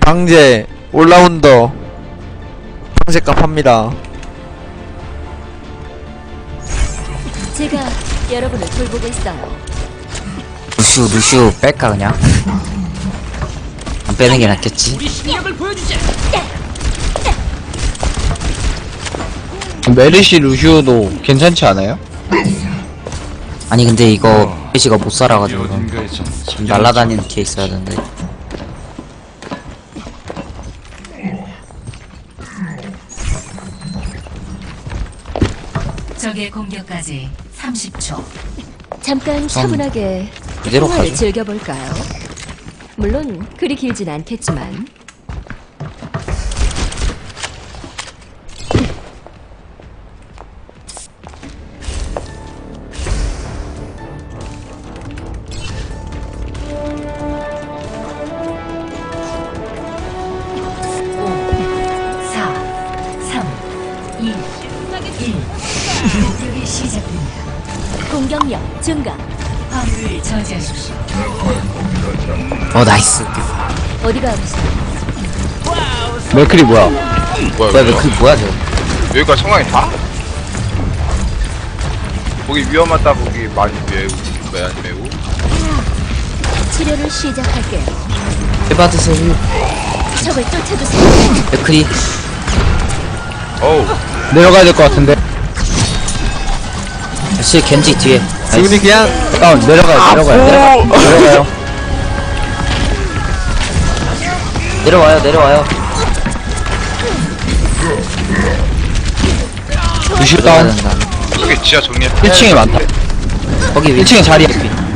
강제 올라운더 방제값 합니다. 제가 여러분을 돌보겠어요. 루슈 뺄까 그냥? 안 빼는 게 낫겠지? 메르시 루시오도 괜찮지 않아요? 아니 근데 이거 페이지가 못 살아가지고 지금 날라다니는 게 있어야 되는데. 적의 공격까지 30초. 잠깐 차분하게 그대로 통화를 가죠. 즐겨볼까요? 물론 그리 길진 않겠지만. 공격이 시작됩니다. 공격력 증가. 화물을 저지하십시오. 나이스. 어디가 아프세요? 맥클이 뭐야? 뭐야 왜 이거? 그 뭐야 저거? 여기가 상황이 다? 거기 위험하다 거기 많이 매우 치료를 시작할게요. 해받으세요. 적을 쫓아주세요. 맥크리. 어우 내려가야 될 것 같은데. 실 겐지 뒤에. 지금이 그냥 다운 내려가요. 내려와요. 루시오 들어가야 다운. 된다. 저기 지하 정리해 1층에 많다. 거기 위 1층에 자리야.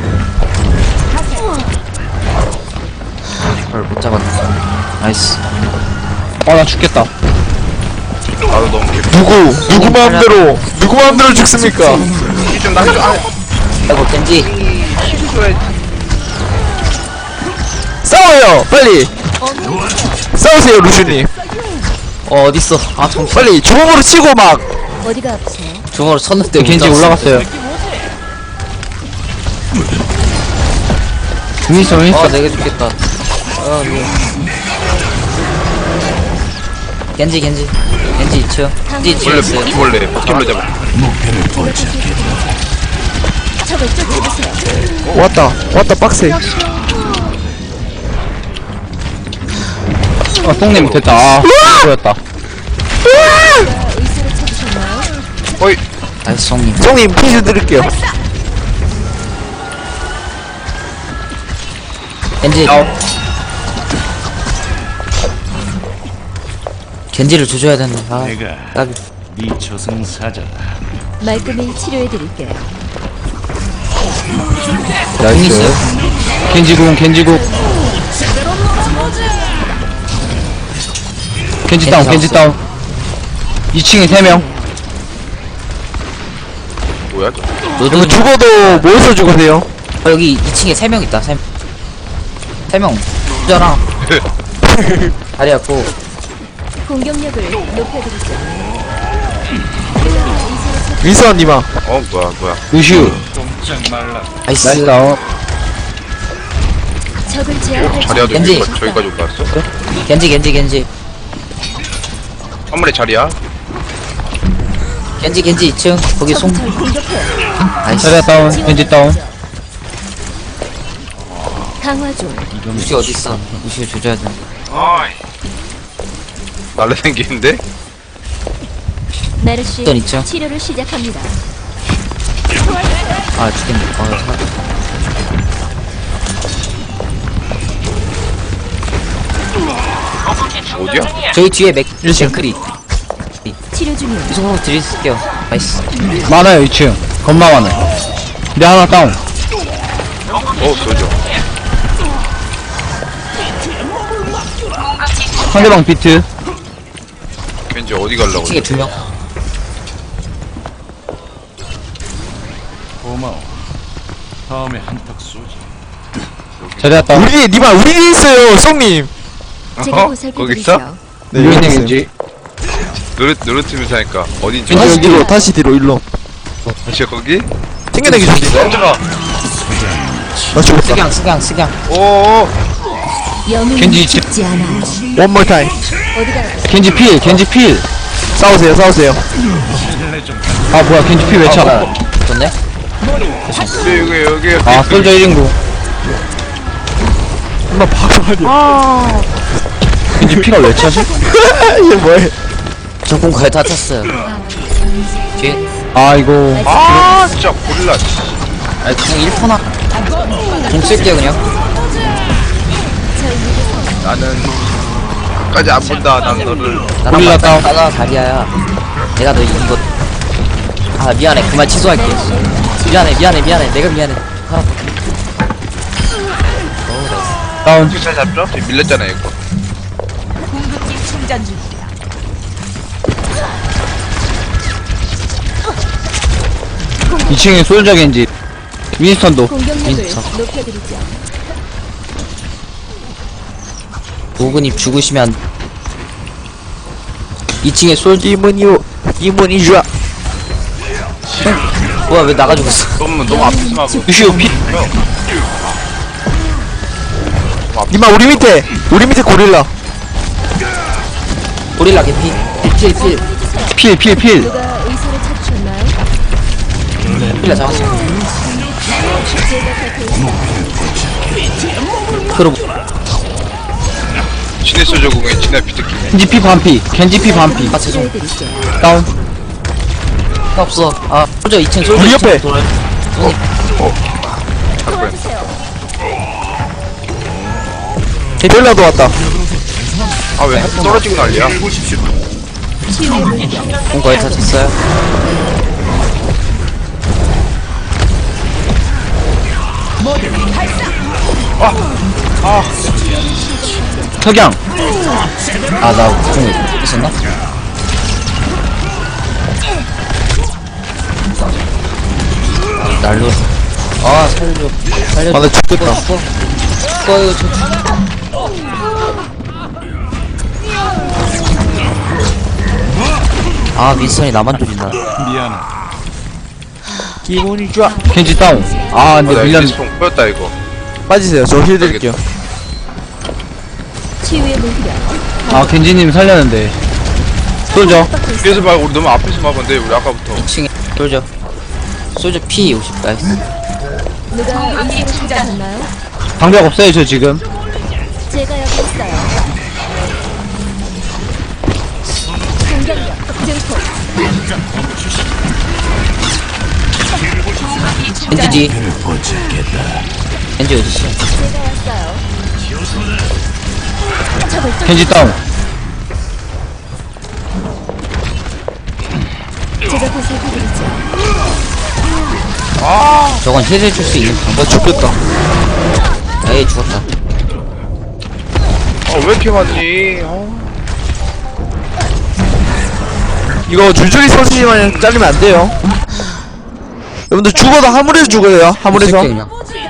그걸 못 잡았네. 나이스. 나 죽겠다. 나도 너무 깊이 누구 마음대로 죽습니까? 좀 나해줘 아이고 겐지. 해줘야지 싸워요 빨리. 싸우세요 루슈님. 어딨어? 아 정신. 빨리 주먹으로 치고 막. 어디가 아프세요? 중으로 쳤는데 겐지 못 잡았어. 올라갔어요. 윈스턴. 내가 죽겠다. 겐지 2층. 겐지 뒤에 있어요. 원래 버틀로 잡아 적을 쫓아주세요. 왔다 빡세. 똥님 됐다. 보였다. 의사를 찾으셨나요? 어이 나이스 송님. 송님 퀴즈 드릴게요. 겐지. 겐지를 조져야 되는데. 까비. 네 저승사자다. 말끔히 치료해드릴게요. 공 있어요. 겐지궁. 겐지 다운. 2층에 3명. 뭐야 이거 노드. 죽어도 모여서 죽으세요. 여기 2층에 3명 있다. 3명. 부자랑 다리였고. 공격력을 높여드리죠. 윈스원님아. 뭐야 루시오. 나이스. 나이스 다운. 적을 제압할 자리야도 겐지. 저기까지 올라왔어? 겐지. 한 마리 자리야 겐지 2층. 거기 송. 절 공격해요. 나이스. 자리야 다운. 겐지 다운. 강화 중. 루시 어딨어? 루시 조져야 돼. 아이 날라다니는데? 메르시 어떤 있죠? 치료를 시작합니다. 아 죽겠네. 어디야? 저희 뒤에 맥크리. 치료 중이에요. 이 정도 드릴게요. 나이스. 많아요 2층. 겁나 많아요. 내 하나 다운. 소죠 상대방 비트. 왠지 어디 가려고 2층에 2명. 고마워. 다음에 한턱 쏘지. 자리야 다운. 우리 있어요 송님. 제가 거기 있어? 보살펴드리죠. 네 유인의 여기 있어요. 겐지. 노릇팀에서 하니까 어딘지 다시 알아? 뒤로 다시 뒤로 일로. 진짜 거기? 챙겨내기 좋습니다. 깜짝아 나 죽었다. 스강. 오오 영웅은 겐지 죽지 않아. One more time. 어디가 겐지 필. 싸우세요. 아 뭐야 겐지 필 왜 차? 좋네? 여기 아 솔저 1인구. 엄마 바로 아니야. 겐지 피가 왜 차지? 이게 뭐해? 저 공 거의 다 찼어요. 뒤에 아 이거 아 진짜 고릴라 아니 그냥 1포나 공 쓸게요 그냥. 나는 끝까지 안 본다 난 너를 나랑 고릴라 다운. 맞다 다리야야. 내가 너 이거 아 미안해 그만 취소할게. 미안해 내가 미안해. 알아. 다운. 잘 잡죠? 지금 밀렸잖아 이거 2층에 솔저 겐지. 윈스턴도. 공격력을 인스타. 높여드리죠. 오근님 죽으시면 2층에 솔 이문이 좋아. 뭐야 왜 나가 죽었어? 너무 앞에서 막고 루시오 피. 니마 우리 밑에 고릴라. 고릴라 개피. 필. 필. 누가 의사를 찾으셨나요? 고릴라 잡았어. 그럼 진해 소저 공에 진해 비트키 겐지 피 반피. 겐지 피 반피. 아 죄송. 치료해드릴게요. 다운. 없어. 아 솔저 2층 솔저 우리 2층 옆에. 돌아요. 고릴라도 왔다. 아왜 떨어지고 난리야 치유의 물결. 공 거의 다 찼어요. 석양. 아나공 있었나? 날로. 아 살려줘. 아, 나 죽겠다. 죽어 이거 저. 아 윈스턴이 나만 돌린다. 미안해. 기분이 좋아. 겐지 다운. 아 근데 나 밀렸. 이스폰 보였다 이거 빠지세요. 저 힐 드릴게요. 치유의 물결. 아 겐지님 살렸는데. 솔저. 뒤에서 말고 우리 너무 앞에서 막았는데 우리 아까부터 2층에 솔저. 솔저 P 50 나이스. 누가 의사를 찾으셨나요? 방벽 없어요 저 지금. 제가 여기 있어요. 공격력 증폭. 겐지지. 겐지 어딨어? 제가 왔어요. 적을 쫓. 겐지 다운. 제가 보살펴드리죠. 저건 힐을 줄 수 있는 방법. 나 죽겠다. 에이 죽었다. 왜 이렇게 많니 이거 줄줄이 서시지만 잘리면 안 돼요. 여러분들 죽어도 화물에서 죽어요. 화물에서. 쓸게, 그냥.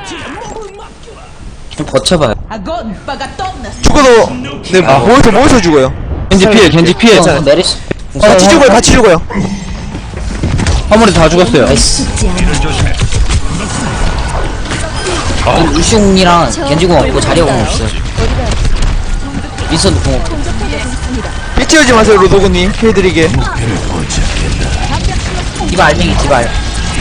좀 버텨봐요. 죽어도 네 모여서 죽어요. 겐지 피해. 겐지 피해. 어, 내리시. 같이 죽어요. 같이 죽어요. 화물에 다 죽었어요. 나이스. 죽지 않아. 루시옹이랑 겐지공 없고 자리공 없어요. 윈선도 공 없고. 삐 찌우지 마세요, 로도그님. 해드리게. 디바 알맹이 디바 알.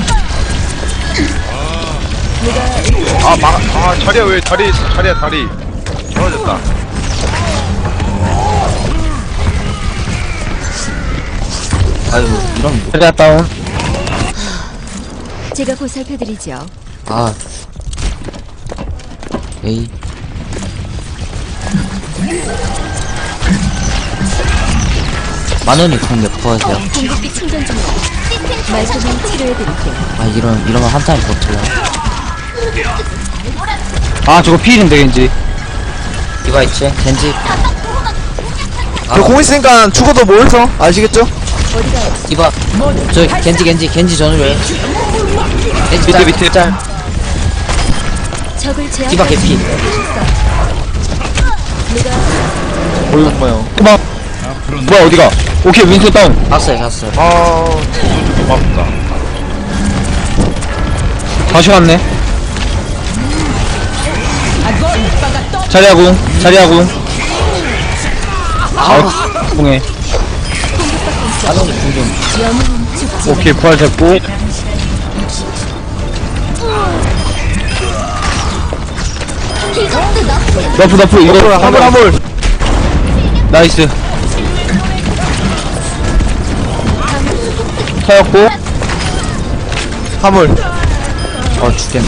자리야 왜 자리야 다리 떨어졌다 아유 이런 뭐. 자리야 다운. 제가 보살펴드리죠. 아. 에이. 만원이 공몇 퍼세요? 공격기 충전 중이에요. 말끔히 치료해드릴게요. 아 이러면 한 타임 버텨요. 아 저거 필인데 겐지. 디바 있지? 겐지. 저 공 있으니까 죽어도 모여서. 아시겠죠? 디바. 저 겐지 전을 왜? 겐지 짤, 밑에. 짤. 적을 제압. 디바 개피. 어이, 엄마요. 그만. 뭐야 어디가? 오케이 윈스 다운. 갔어요. 좀 고맙다 다시 왔네. 자리하고. 공해. 아동이 궁좀. 영웅은 죽지 오케이, 부활 됐고. 이것도 너프, 이거. 화물. 나이스. 터였고. 화물. 죽겠네.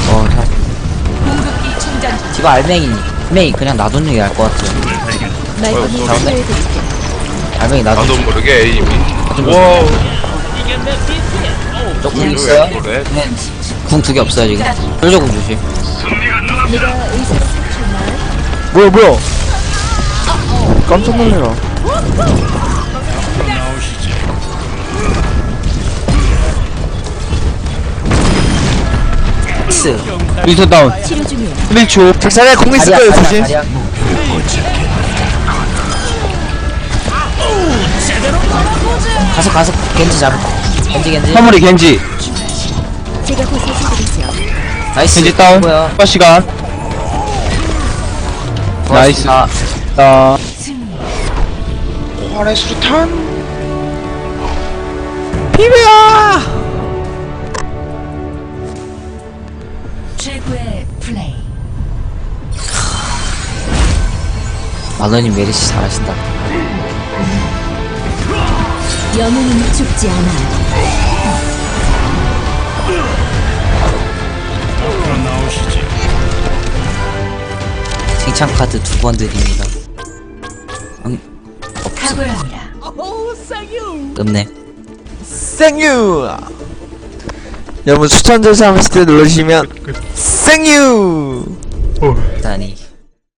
디바 알맹이 그냥 놔두는 게 나을 것 같아. 말끔히 치료해드릴게요. 알맹이 나도 놔두는 모르게 에임이. 게 와우. 조금 있어요? 그래? 궁 2개 없어요 지금. 솔저궁 조심. 네가 의사를 찾았나? 뭐야. 깜짝 놀래라. 나오시지. 스. 윈터 다운. 치료 중이에요. 플리초. 자리에 공 있을 거예요, 조심. 가서 겐지 잡을. 겐지. 화물이 겐지. 제가 보살펴드리죠. 나이스. 겐지 다운. 뭐야? 추가 시간. 나이스. 아, 활의 수류탄. 최고의 플레이. 마더님 메리시 잘하신다. 영웅은 죽지 않아요. 앞으로 나오시지. 칭찬 카드 2번 드립니다. 탁월합니다. 없네. 생유. 여러분 추천 절차 하실 때 눌러주시면 생유. 다니.